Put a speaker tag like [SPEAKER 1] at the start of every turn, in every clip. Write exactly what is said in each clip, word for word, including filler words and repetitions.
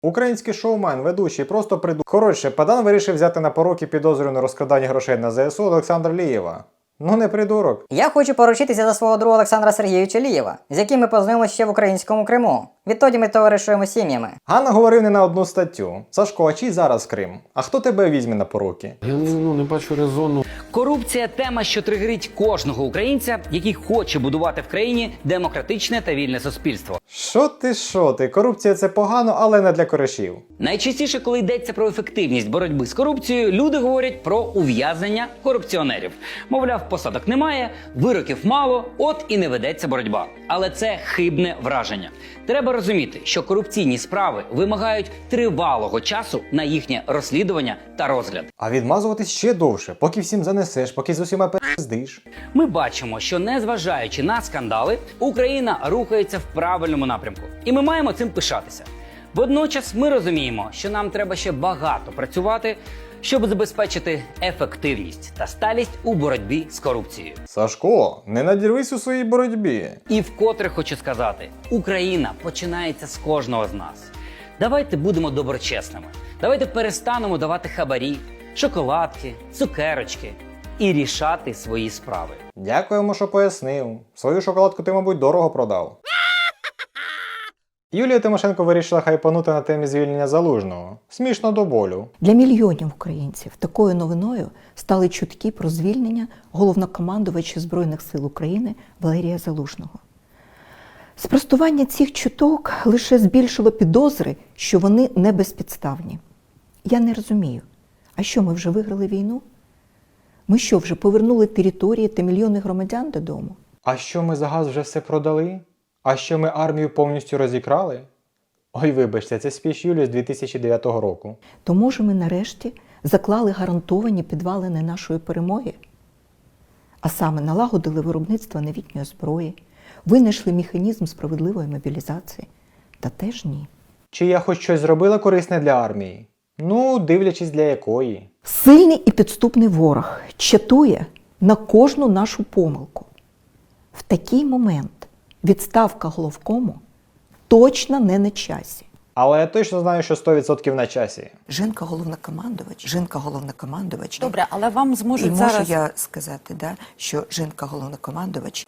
[SPEAKER 1] Український шоумен, ведучий, просто приду... Коротше, Падан вирішив взяти на поруки підозрюваного на розкрадання грошей на зе ес у Олександра Лієва. Ну не придурок.
[SPEAKER 2] Я хочу поручитися за свого друга Олександра Сергійовича Лієва, з яким ми познайомилися ще в українському Криму. Відтоді ми товаришуємо сім'ями.
[SPEAKER 1] Ганна говорив не на одну статтю. Сашко, а чий зараз Крим? А хто тебе візьме на поруки?
[SPEAKER 3] Я ну, не бачу резону.
[SPEAKER 4] Корупція – тема, що тригерить кожного українця, який хоче будувати в країні демократичне та вільне суспільство.
[SPEAKER 1] Що ти, що ти? Корупція – це погано, але не для коришів.
[SPEAKER 4] Найчастіше, коли йдеться про ефективність боротьби з корупцією, люди говорять про ув'язнення корупціонерів. Мовляв, посадок немає, вироків мало, от і не ведеться боротьба. Але це хибне враження. Треба розуміти, що корупційні справи вимагають тривалого часу на їхнє розслідування та розгляд.
[SPEAKER 1] А відмазуватись ще довше, поки всім занесеш, поки з усіма пиздиш.
[SPEAKER 4] Ми бачимо, що незважаючи на скандали, Україна рухається в правильному напрямку. І ми маємо цим пишатися. Водночас ми розуміємо, що нам треба ще багато працювати, щоб забезпечити ефективність та сталість у боротьбі з корупцією.
[SPEAKER 1] Сашко, не надірвись у своїй боротьбі.
[SPEAKER 4] І вкотре хочу сказати, Україна починається з кожного з нас. Давайте будемо доброчесними. Давайте перестанемо давати хабарі, шоколадки, цукерочки і рішати свої справи.
[SPEAKER 1] Дякуємо, що пояснив. Свою шоколадку ти, мабуть, дорого продав. Юлія Тимошенко вирішила хайпанути на темі звільнення Залужного. Смішно до болю.
[SPEAKER 5] Для мільйонів українців такою новиною стали чутки про звільнення головнокомандувача Збройних сил України Валерія Залужного. Спростування цих чуток лише збільшило підозри, що вони не безпідставні. Я не розумію, а що, ми вже виграли війну? Ми що, вже повернули території та мільйони громадян додому?
[SPEAKER 1] А що, ми за газ вже все продали? А що, ми армію повністю розікрали? Ой, вибачте, це спіч Юлії з дві тисячі дев'ятого року.
[SPEAKER 5] То, може, ми нарешті заклали гарантовані підвалини нашої перемоги? А саме налагодили виробництво новітньої зброї, винайшли механізм справедливої мобілізації? Та теж ні.
[SPEAKER 1] Чи я хоч щось зробила корисне для армії? Ну, дивлячись для якої.
[SPEAKER 5] Сильний і підступний ворог чатує на кожну нашу помилку. В такий момент відставка головкому точно не на часі.
[SPEAKER 1] Але я точно знаю, що сто відсотків на часі.
[SPEAKER 6] Жінка головнокомандувач, жінка головнокомандувач.
[SPEAKER 7] Добре, але вам зможуть
[SPEAKER 6] І
[SPEAKER 7] зараз...
[SPEAKER 6] можу я сказати, да, що жінка головнокомандувач.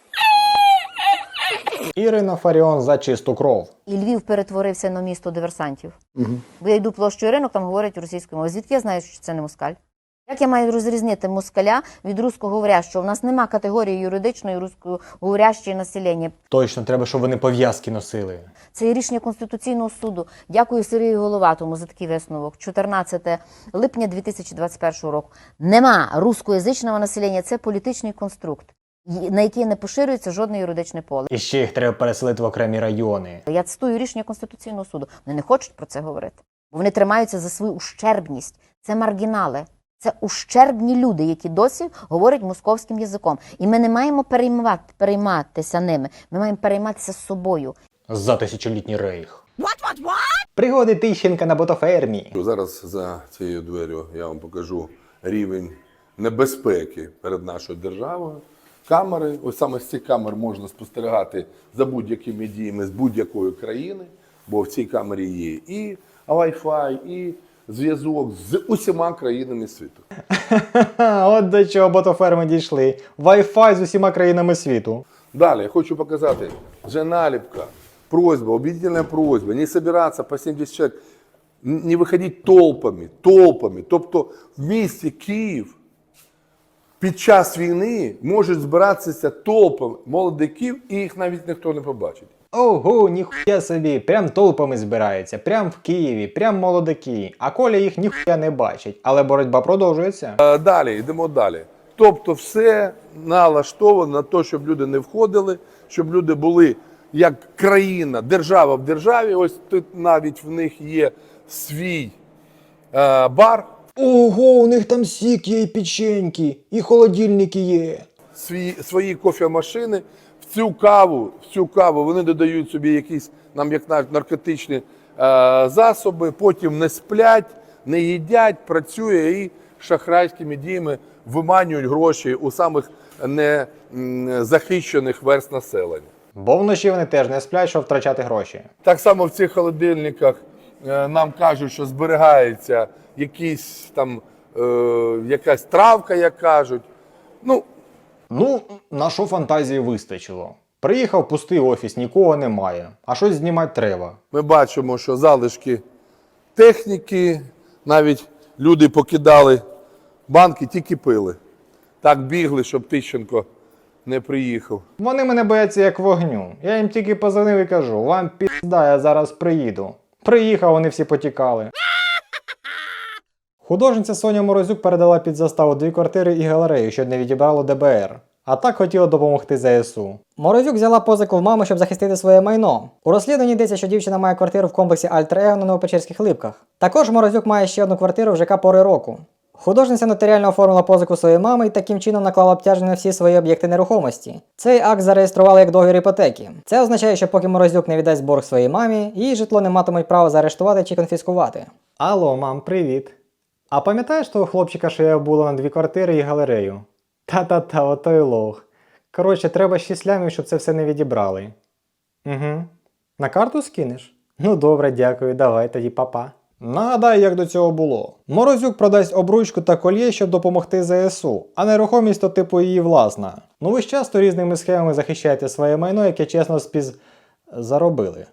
[SPEAKER 1] Ірина Фаріон за чисту кров.
[SPEAKER 8] І Львів перетворився на місто диверсантів. Угу. Бо я йду площою ринок, там говорять російською мовою. Звідки я знаю, що це не москаль? Як я маю розрізнити москаля від русскоговорящого? У нас нема категорії юридичної русскоговорящої населення.
[SPEAKER 1] Точно, треба, щоб вони пов'язки носили.
[SPEAKER 8] Це є рішення Конституційного суду. Дякую Сергію Головатому за такий висновок. чотирнадцяте липня дві тисячі двадцять першого року. Нема русскоязичного населення, це політичний конструкт, на який не поширюється жодне юридичне поле.
[SPEAKER 1] І ще їх треба переселити в окремі райони.
[SPEAKER 8] Я цитую рішення Конституційного суду. Вони не хочуть про це говорити. Бо вони тримаються за свою ущербність. Це маргінали. Це ущербні люди, які досі говорять московським язиком. І ми не маємо переймати, перейматися ними. Ми маємо перейматися собою.
[SPEAKER 1] За тисячолітній рейх. What, what, what? Пригоди Тищенка на ботофермі.
[SPEAKER 9] Зараз за цією дверю я вам покажу рівень небезпеки перед нашою державою. Камери, ось саме з цих камер можна спостерігати за будь-якими діями з будь-якої країни, бо в цій камері є і Wi-Fi, і зв'язок з усіма країнами світу.
[SPEAKER 1] От до чого ботоферми дійшли. Wi-Fi з усіма країнами світу.
[SPEAKER 9] Далі я хочу показати вже наліпка, просьба, убедительная просьба, не собираться по сімдесят чоловік, не виходити толпами, толпами. Тобто в місті Київ під час війни можуть збиратися толпами молодиків, і їх навіть ніхто не побачить.
[SPEAKER 1] Ого, ніхуя собі, прям толпами збираються, прям в Києві, прям молодики. А Коля їх ніхуя не бачить, але боротьба продовжується.
[SPEAKER 9] А далі, йдемо далі. Тобто все налаштовано на те, щоб люди не входили, щоб люди були як країна, держава в державі. Ось тут навіть в них є свій е, бар.
[SPEAKER 1] Ого, у них там сік є і печеньки, і холодильники є.
[SPEAKER 9] Свої, свої кофемашини. В цю каву, в цю каву вони додають собі якісь, нам як наркотичні е, засоби, потім не сплять, не їдять, працює і шахрайськими діями виманюють гроші у самих незахищених верст населення.
[SPEAKER 1] Бо вночі вони теж не сплять, щоб втрачати гроші.
[SPEAKER 9] Так само в цих холодильниках е, нам кажуть, що зберігається якийсь там, е, якась травка, як кажуть. Ну,
[SPEAKER 1] Ну, на що фантазії вистачило. Приїхав пустий офіс, нікого немає. А щось знімати треба.
[SPEAKER 9] ми бачимо, що залишки техніки, навіть люди покидали банки, тільки пили. Так бігли, щоб Тищенко не приїхав.
[SPEAKER 1] Вони мене бояться як вогню. Я їм тільки позвонив і кажу, вам пізда, я зараз приїду. Приїхав, вони всі потікали. Художниця Соня Морозюк передала під заставу дві квартири і галерею, що не відібрало Де Бе Ер. А так хотіла допомогти Зе Ес У.
[SPEAKER 2] Морозюк взяла позику в мами, щоб захистити своє майно. У розслідуванні йдеться, що дівчина має квартиру в комплексі Альтер-Его на Новопечерських Липках. Також Морозюк має ще одну квартиру в ЖК Пори року. Художниця нотаріально оформила позику своєї мами і таким чином наклала обтяження на всі свої об'єкти нерухомості. Цей акт зареєстрували як договір іпотеки. Це означає, що поки Морозюк не віддасть борг своїй мамі, її житло не матимуть права заарештувати чи конфіскувати.
[SPEAKER 1] Алло, мам, привіт. А пам'ятаєш того хлопчика, що я була на дві квартири і галерею? Та-та-та, отой лох. Коротше, треба шість лямів, щоб це все не відібрали. Угу. На карту скинеш? Ну добре, дякую, давай тоді, папа. Нагадай, як до цього було. Морозюк продасть обручку та кольє, щоб допомогти Зе Ес У, а нерухомість то типу її власна. Ну ви ж часто різними схемами захищаєте своє майно, яке чесно спіз... заробили.